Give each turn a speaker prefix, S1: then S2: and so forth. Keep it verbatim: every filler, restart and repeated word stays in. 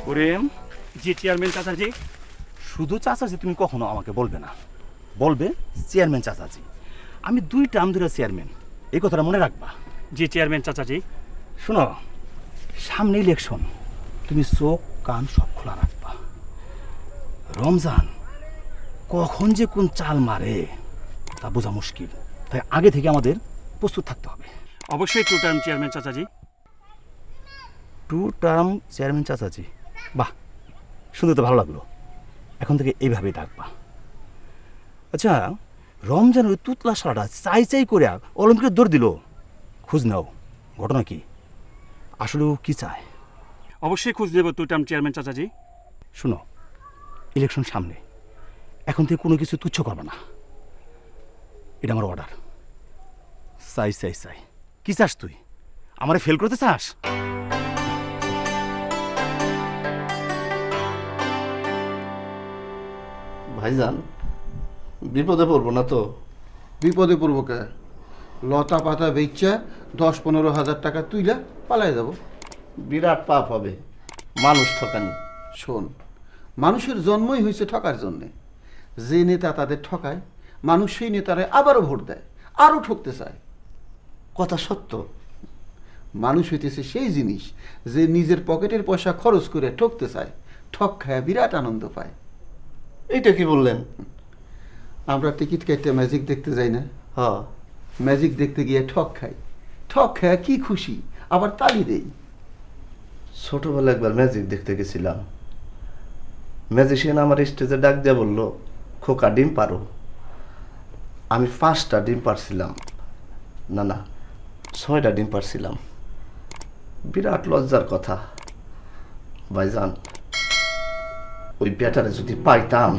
S1: করিম। জি chairman চাচাজি। শুধু চাচাজি তুমি কখনো আমাকে বলবে না, বলবে চেয়ারম্যান চাচাজি। আমি দুই টার্ম ধরে চেয়ারম্যান, এই কথাটা মনে রাখবা। জি চেয়ারম্যান চাচাজি। শোনো, সামনে ইলেকশন, তুমি চোখ কান সব খোলা রাখবা। রমজান কখন যে কোন চাল মারে তা বোঝা মুশকিল, তাই আগে থেকে আমাদের প্রস্তুত থাকতে হবে।
S2: অবশ্যই টু টার্ম চেয়ারম্যান চাচাজি।
S1: টু টার্ম চেয়ারম্যান চাচাজি, বাহ, শুনতে তো ভালো লাগলো। এখন থেকে এইভাবেই ডাকবা। আচ্ছা, রমজান ওই তুতলা সারাটা চাই চাই করে অলিম্পিকের দৌড় দিল, খোঁজ নাও ঘটনা কি, আসলে ও কি চায়।
S2: অবশ্যই খোঁজ নেব টু টার্ম চেয়ারম্যান চাচাজি।
S1: শুনো, ইলেকশন সামনে, এখন থেকে কোনো কিছু তুচ্ছ করবে না, এটা আমার অর্ডার। চাই চাই চাই, কি চাস তুই? আমারে ফেল করতে চাস?
S3: ভাইজান বিপদে পড়বো না তো?
S4: বিপদে পড়বো কে? লতা পাতা বেচা দশ পনেরো হাজার টাকা তুইলা পালাই যাব।
S3: বিরাট পাপ হবে মানুষ ঠকানি।
S4: শোন, মানুষের জন্মই হয়েছে ঠকার জন্যে। যে নেতা তাদের ঠকায়, মানুষ সেই নেতারে আবারও ভোট দেয়, আরও ঠকতে চায়।
S3: কথা সত্য।
S4: মানুষ হইতেছে সেই জিনিস যে নিজের পকেটের পয়সা খরচ করে ঠকতে চায়, ঠক খায় বিরাট আনন্দ পায়।
S3: এইটা কি বললেন?
S4: আমরা টিকিট কেটে ম্যাজিক দেখতে যাই না?
S3: হ,
S4: ম্যাজিক দেখতে গিয়ে ঠক খাই, ঠক খায় কি খুশি, আবার তালি দেই।
S3: ছোটবেলা একবার ম্যাজিক দেখতে গেছিলাম। ম্যাজিশিয়ান আমার স্টেজে ডাক দিয়ে বললো, খোকা ডিম পারো। আমি পাঁচটা ডিম পারছিলাম, না না ছয়টা ডিম পারছিলাম। বিরাট লজ্জার কথা। ভাইজান, ওই ব্যাটারে যদি পাইতাম।